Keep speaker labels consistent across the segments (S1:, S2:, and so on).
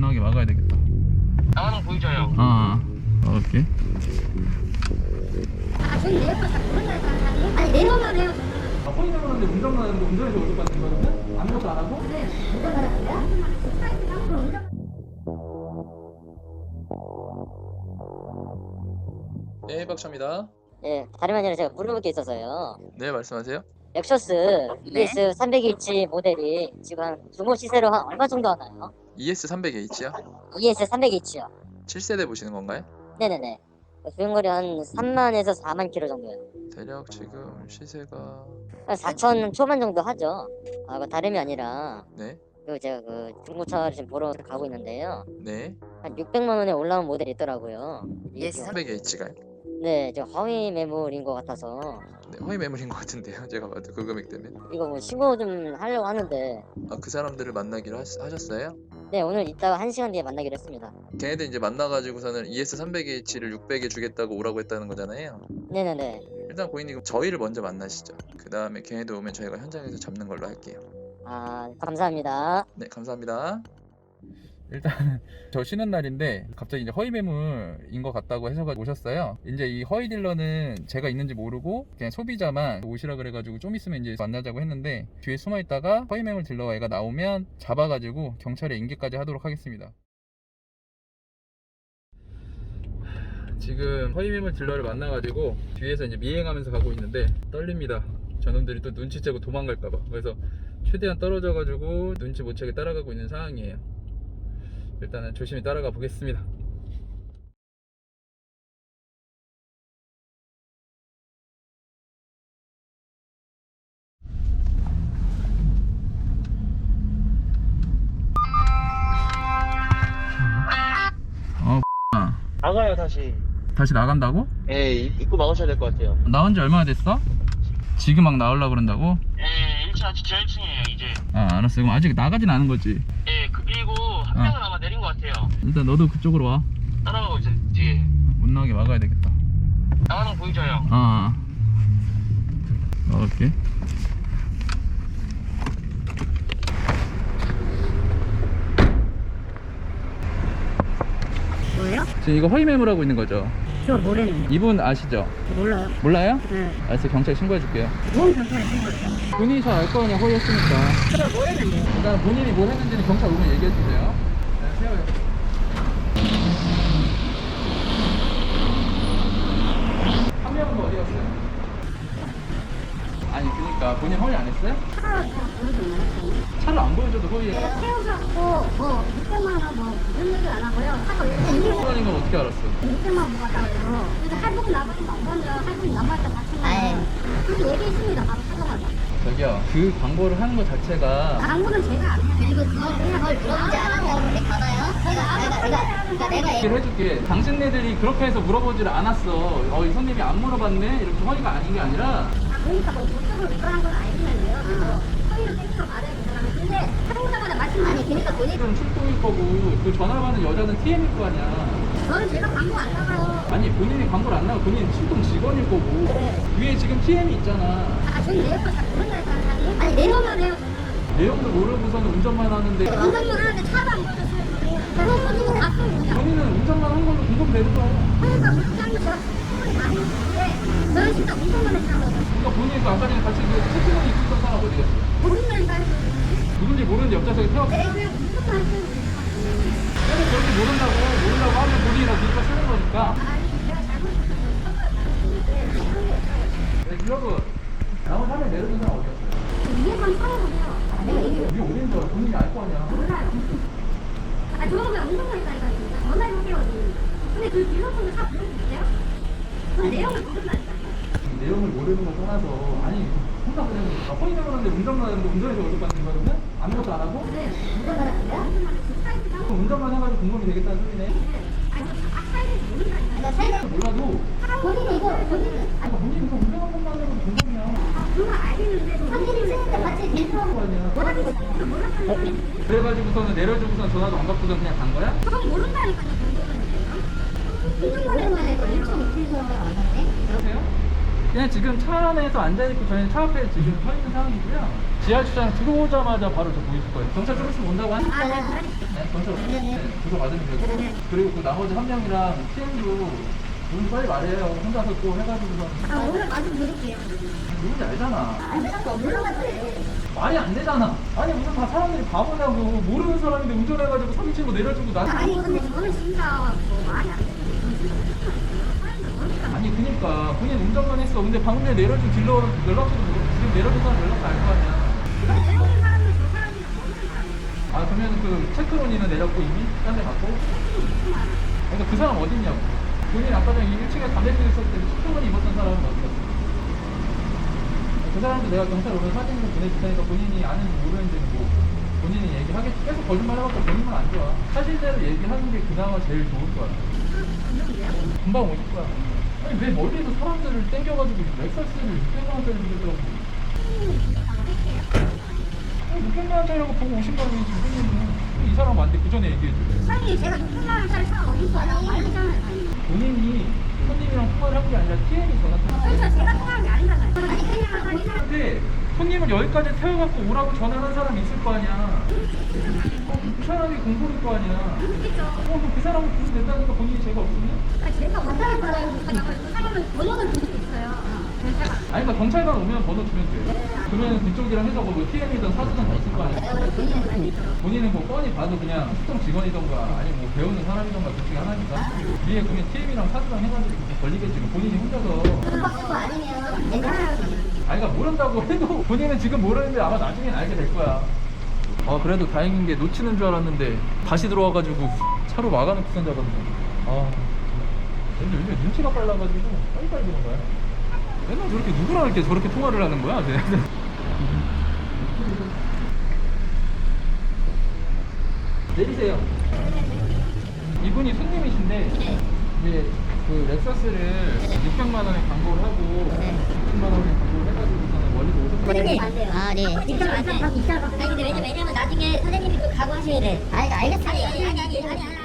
S1: 나게 막아야 되겠다.
S2: 나가는 거 보이죠 형?
S1: 오케이.
S3: 저는 내 옆에 잘 모른다니까. 아니 내려만 해요.
S1: 허위를 하는데 운전만 하는데 운전해서 오토 받는 거거든? 아무것도 안 하고?
S3: 네. 운전하는데요?
S1: 네, 박차입니다.
S4: 예, 다름 아니라 제가 물어볼 게 있어서요.
S1: 네, 말씀하세요.
S4: 렉셔스 ES 300H 모델이 지금 한 중고 시세로 한 얼마 정도 하나요?
S1: ES300H요?
S4: ES 300H요.
S1: 7세대 보시는 건가요?
S4: 네네네. 주행거리 한 3만에서 4만 킬로 정도요.
S1: 대략 지금 시세가
S4: 한 4천 초반 정도 하죠. 그 다름이 아니라
S1: 네,
S4: 제가 그 중고차를 지금 보러 가고 있는데요.
S1: 네.
S4: 한 600만 원에 올라온 모델이 있더라고요.
S1: ES300H가요?
S4: 네, 저 허위 매물인 것 같아서
S1: 네, 허위 매물인 것 같은데요. 제가 봐도 그 금액 때문에.
S4: 이거 뭐 신고 좀 하려고 하는데
S1: 그 사람들을 만나기로 하셨어요?
S4: 네, 오늘 이따가 1시간 뒤에 만나기로 했습니다.
S1: 걔네들 이제 만나가지고서는 ES300H를 600에 주겠다고 오라고 했다는 거잖아요.
S4: 네네네.
S1: 일단 고객님 저희를 먼저 만나시죠. 그 다음에 걔네들 오면 저희가 현장에서 잡는 걸로 할게요.
S4: 감사합니다.
S1: 네, 감사합니다. 일단 저 쉬는 날인데 갑자기 이제 허위 매물인 것 같다고 해서 오셨어요. 이제 이 허위 딜러는 제가 있는지 모르고 그냥 소비자만 오시라 그래가지고 좀 있으면 이제 만나자고 했는데 뒤에 숨어 있다가 허위 매물 딜러 애가 나오면 잡아가지고 경찰에 인계까지 하도록 하겠습니다. 지금 허위 매물 딜러를 만나가지고 뒤에서 이제 미행하면서 가고 있는데 떨립니다. 저놈들이 또 눈치채고 도망갈까봐. 그래서 최대한 떨어져가지고 눈치 못 채게 따라가고 있는 상황이에요. 일단은 조심히 따라가 보겠습니다.
S2: 나가요 다시.
S1: 다시 나간다고?
S2: 예, 입구 막으셔야 될 것 같아요.
S1: 나온 지 얼마나 됐어? 지금 막 나오려고 그런다고?
S2: 예, 1차 지하 1층이에요 이제.
S1: 알았어. 그럼 아직 나가진 않은 거지?
S2: 예, 그리고 한 명은 아마 내린 것 같아요.
S1: 일단 너도 그쪽으로 와.
S2: 따라가고 있어요 뒤에.
S1: 못 나가게 막아야 되겠다.
S2: 나가는 거 보이죠 형?
S1: 오케이.
S3: 뭐예요?
S1: 지금 이거 허위 매물하고 있는 거죠?
S3: 저 모르는.
S1: 이분 아시죠?
S3: 몰라요.
S1: 몰라요?
S3: 네.
S1: 알았어. 경찰에 신고해 줄게요.
S3: 뭔 경찰에 신고했어요?
S1: 본인이 잘 알 거 아니야, 허위했으니까.
S3: 그걸 모르는데요.
S1: 일단 본인이 뭘 했는지는 경찰 오면 얘기해 주세요. 네, 세워요. 한 명은 어디 갔어요? 아니, 그니까 본인 허위 안 했어요? 차를 안 보여줘도 허위해.
S3: 태워갖고 뭐 600만 원 뭐 이런 얘기 안 하고요. 차가 왜 이렇게
S1: 허위인 건 어떻게 알았어?
S3: 600만 원 받았다고. 그래서 할부금 나머지 없으면 할부금 남았다 받치면 그렇게 얘기했습니다. 바로 찾아가서.
S1: 저기요, 그 광고를 하는 것 자체가
S3: 광고는 제가 안 해요.
S5: 그리고 그걸 물어보지 않아서 근데 받아요? 내가
S1: 얘기를 해줄게. 당신네들이 그렇게 해서 물어보지를 않았어. 이 손님이 안 물어봤네? 이렇게 허위가 아닌 게 아니라
S3: 그러니까 뭐 저쪽을 물어한 건 알겠는데요. 그래서 서희를 땡겨서 말해야 되잖아요. 근데 사용자마다 말씀 아니 그러니까 본인
S1: 지금 출동일 거고 그 전화 받는 여자는 TM일 거 아니야.
S3: 저는 제가 광고 안 나가요.
S1: 아니 본인이 광고를 안 나고 본인은 출동 직원일 거고 위에 지금 TM이 있잖아.
S3: 저는 내 옆에 잘 모른다니까. 아니 내려만 해요.
S1: 내용도 모르고서는 운전만 하는데
S3: 운전 모르는데 차도 안 보여줬어요. 그래서 본인이 다 쓰는 거냐.
S1: 본인은 운전만 한 걸로 공범되는 거야.
S3: 그러니까 부장님 제가 충분히 다 했는데 저는 진짜 운전만 했다고.
S1: 그러니까 본인이 그 아까 전에 같이 그 채팅을 입고 사람 어디 갔어?
S3: 모른다니까.
S1: 누군지 모르는데 옆좌석에 태웠어.
S3: 내 그냥 운전만 했어요.
S1: 계속 그렇게 모른다고 하면 본인이 다 뒤집어 쓰는 거니까.
S3: 아니 내가 잘못했어요.
S1: 네, 여러분 나머지 한명 내려준 사람 어디 갔어요?
S3: 위에만 살아보세요. 내가 얘기해.
S1: 위에 어딘 줄 알아? 본인이 알 거 아니야.
S3: 몰라요. 아, 저거 그냥 운동만 했다니까. 전화해볼게요. 근데 그 딜러분들 다 부르시세요? 그 내용을 모른다니까.
S1: 내용을 모르는 걸 떠나서 아니 혼자 그냥 허위 매물하는데 운전만 하는데 운전해서 어디 받는 거거든? 아무것도 안 하고?
S3: 네. 운전만 하는데요?
S1: 그럼 운전만 해가지고 공범이 되겠다는 소리네.
S3: 아니, 사이즈를 모른다니까.
S1: 몰라도
S3: 본인이 이거, 본인은.
S1: 그러니까 본인이 그 운전한 것만 하면 공범이야.
S3: 아, 그건 알겠는데. 선생님 쓰는데 같이
S1: 그런 거 아니야.
S3: 뭐라고 쓰는지 몰랐어요.
S1: 그래가지고서는 내려주고선 전화도 안 받고선 그냥 간 거야?
S3: 그건 모른다니까요. 운전만 해도 1.2km 안 하네?
S1: 그러세요? 그냥 지금 차 안에서 앉아있고 저희는 차 앞에 지금 서 있는 상황이고요. 지하 주차장 들어오자마자 바로 저 보이실 거예요. 경찰 좀 있으면 온다고 하니까. 네, 경찰 주소 받으면 되고. 그리고 그 나머지 한 명이랑 TM도 누군지 빨리 말해요. 혼자서 또 해가지고서.
S3: 오늘 마주 누를게요.
S1: 누군지 알잖아.
S3: 물어봤어요.
S1: 말이 안 되잖아. 아니 무슨 다 사람들이 바보냐고. 모르는 사람인데 운전해가지고 사진 찍고 내려주고 나.
S3: 아니 근데 저는 진짜 뭐 말이 안 돼.
S1: 아니 그니까 본인 운전만 했어. 근데 방금 전에 내려준 딜러 연락처도 모르고 지금 내려준 사람 연락도 알 거 아니야.
S3: 내려오는 사람은 저 사람이랑 모르는 사람이에요.
S1: 아 그러면 그 체크론이는 내렸고 이미 딴 데 갔고. 그러니까 그 사람 어딨냐고. 본인 아까 전에 1층에 담배 피고 있었을 때 체크론이 입었던 사람은 어디 갔어? 그 사람도 내가 경찰 오면 사진을 보내줄 테니까 본인이 아는지 모르는지는 뭐 본인이 얘기하겠지. 계속 거짓말 해봤자 본인만 안 좋아. 사실대로 얘기하는 게 그나마 제일 좋을 거야. 금방 오실 거야. 아니 왜 멀리서 사람들을 땡겨가지고 렉서스를 600만원짜리 주겠다고. 600만원짜리라고 보고 오신 거면 지금 손님은 이 사람 안 돼. 그 전에 얘기해줘.
S3: 사장님 제가 600만원짜리 차 어디 있어요? 말이잖아요.
S1: 본인이 손님이랑 통화를 한 게 아니라 TM이 전화
S3: 그렇죠. 제가 통화한 게 아니잖아요. 아니 그냥
S1: 근데 손님을 여기까지 태워갖고 오라고 전화한 사람이 있을 거 아니야. 그 사람이 공소일 거 아니야.
S3: 있겠죠.
S1: 그럼 그 사람은 부르면 된다니까 본인이 죄가 없으면?
S3: 제가 왔다는 거예요. 그 사람은 번호를 줄 수 있어요.
S1: 아니 그러니까 경찰관 오면 번호 주면 돼. 그러면 그쪽이랑 해서 뭐 TM이든 사주든 다 있을 거 아니야. 본인은 뭐 뻔히 봐도 그냥 수청 직원이던가 아니면 뭐 배우는 사람이던가 둘 중에 하나니까 위에 그러면 TM이랑 사주랑 해가지고 걸리겠지. 본인이 혼자서
S5: 그거 아니면 괜찮아요.
S1: 아니 그러니까 모른다고 해도 본인은 지금 모르는데 아마 나중엔 알게 될 거야. 아 그래도 다행인 게 놓치는 줄 알았는데 다시 들어와가지고 차로 막아놓고 산 줄 알았네. 아 근데 요즘 눈치가 빨라가지고 빨리빨리 그런 거야. 맨날 저렇게 누구랑 이렇게 저렇게 통화를 하는 거야? 내리세요. 이분이 손님이신데 이제 그 렉서스를 600만 원에 광고를 하고 600만 원에 광고를 해가지고서는 멀리서 오셨어요.
S5: 선생님 안 돼요. 아 네.
S3: 진짜 진짜
S5: 아니 근데 왜냐면 나중에 선생님이 그 각오하셔야 돼. 아니 알겠어. 아니.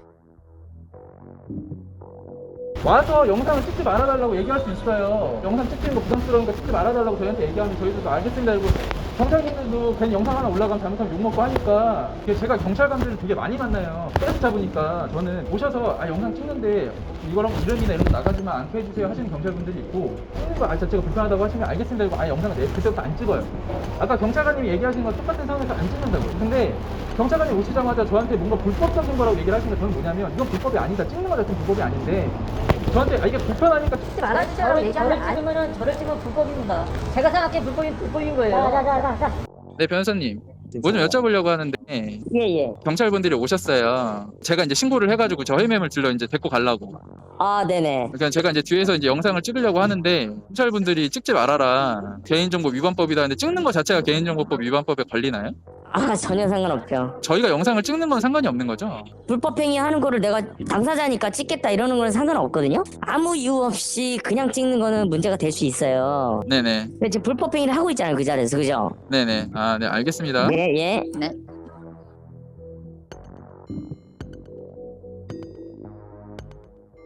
S1: 와서 영상을 찍지 말아달라고 얘기할 수 있어요. 영상 찍히는 거 부담스러우니까 찍지 말아달라고 저희한테 얘기하면 저희도 알겠습니다. 그리고 경찰분들도 괜히 영상 하나 올라가면 잘못하면 욕먹고 하니까 이게 제가 경찰관들을 되게 많이 만나요. 계속 잡으니까 저는 오셔서 영상 찍는데 이거랑 이름이나 이런 거 나가지만 않게 해주세요 하시는 경찰분들이 있고 찍는 거 자체가 불편하다고 하시면 알겠습니다. 그리고 영상을 그때부터 안 찍어요. 아까 경찰관님이 얘기하신 거 똑같은 상황에서 안 찍는다고요. 근데 경찰관이 오시자마자 저한테 뭔가 불법적인 거라고 얘기를 하시는 게 저는 뭐냐면 이건 불법이 아니다. 찍는 거 자체는 불법이 아닌데 저한테 이게 불편하니까 찍지 말아주세요.
S4: 저를 찍으면 불법입니다. 제가 생각해 불법인 거예요.
S1: 네 변호사님 뭐 좀 여쭤보려고 하는데
S4: 예예.
S1: 경찰분들이 오셨어요. 제가 이제 신고를 해가지고 저 헤매물 들러 이제 데리고 가려고.
S4: 아 네네.
S1: 그러니까 제가 이제 뒤에서 이제 영상을 찍으려고 하는데 경찰분들이 찍지 말아라 개인정보 위반법이다 하는데 찍는 거 자체가 개인정보법 위반법에 걸리나요?
S4: 아 전혀 상관없죠.
S1: 저희가 영상을 찍는 건 상관이 없는 거죠?
S4: 불법행위 하는 거를 내가 당사자니까 찍겠다 이러는 거는 상관없거든요. 아무 이유 없이 그냥 찍는 거는 문제가 될 수 있어요.
S1: 네네.
S4: 근데 지금 불법행위를 하고 있잖아요 그 자리에서 그죠?
S1: 네네. 아, 네 알겠습니다.
S4: 예.
S5: 네.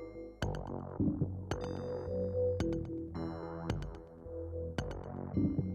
S1: 네.